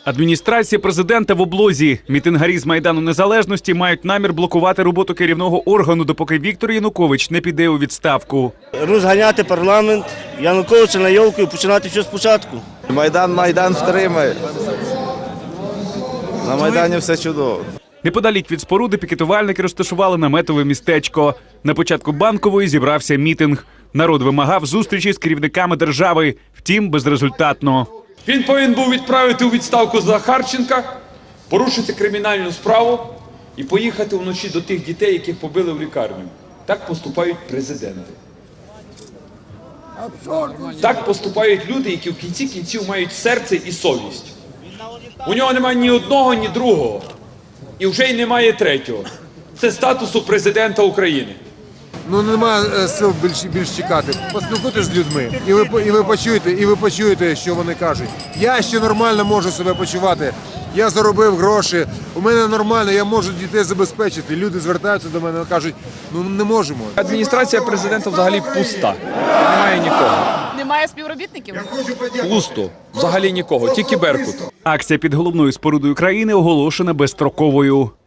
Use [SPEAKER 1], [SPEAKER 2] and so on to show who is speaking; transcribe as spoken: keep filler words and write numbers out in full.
[SPEAKER 1] Адміністрація президента в облозі. Мітингарі з Майдану Незалежності мають намір блокувати роботу керівного органу, допоки Віктор Янукович не піде у відставку.
[SPEAKER 2] Розганяти парламент, Януковича на йолку і починати все спочатку.
[SPEAKER 3] Майдан, Майдан втримає. На Майдані все чудово.
[SPEAKER 1] Неподалік від споруди пікетувальники розташували наметове містечко. На початку Банкової зібрався мітинг. Народ вимагав зустрічі з керівниками держави, втім безрезультатно.
[SPEAKER 4] Він повинен був відправити у відставку Захарченка, порушити кримінальну справу і поїхати вночі до тих дітей, яких побили в лікарню. Так поступають президенти. Так поступають люди, які в кінці кінців мають серце і совість. У нього немає ні одного, ні другого. І вже й немає третього. Це статусу президента України.
[SPEAKER 5] Ну немає сил більш, більш чекати. Поспілкуйтесь з людьми, і ви і ви почуєте, і ви почуєте, що вони кажуть. Я ще нормально можу себе почувати. Я заробив гроші, у мене нормально, я можу дітей забезпечити. Люди звертаються до мене і кажуть, ну не можемо.
[SPEAKER 6] Адміністрація президента взагалі пуста. Немає нікого.
[SPEAKER 7] Немає співробітників?
[SPEAKER 6] Пусто. Взагалі нікого. Тільки Беркут.
[SPEAKER 1] Акція під головною спорудою країни оголошена безстроковою.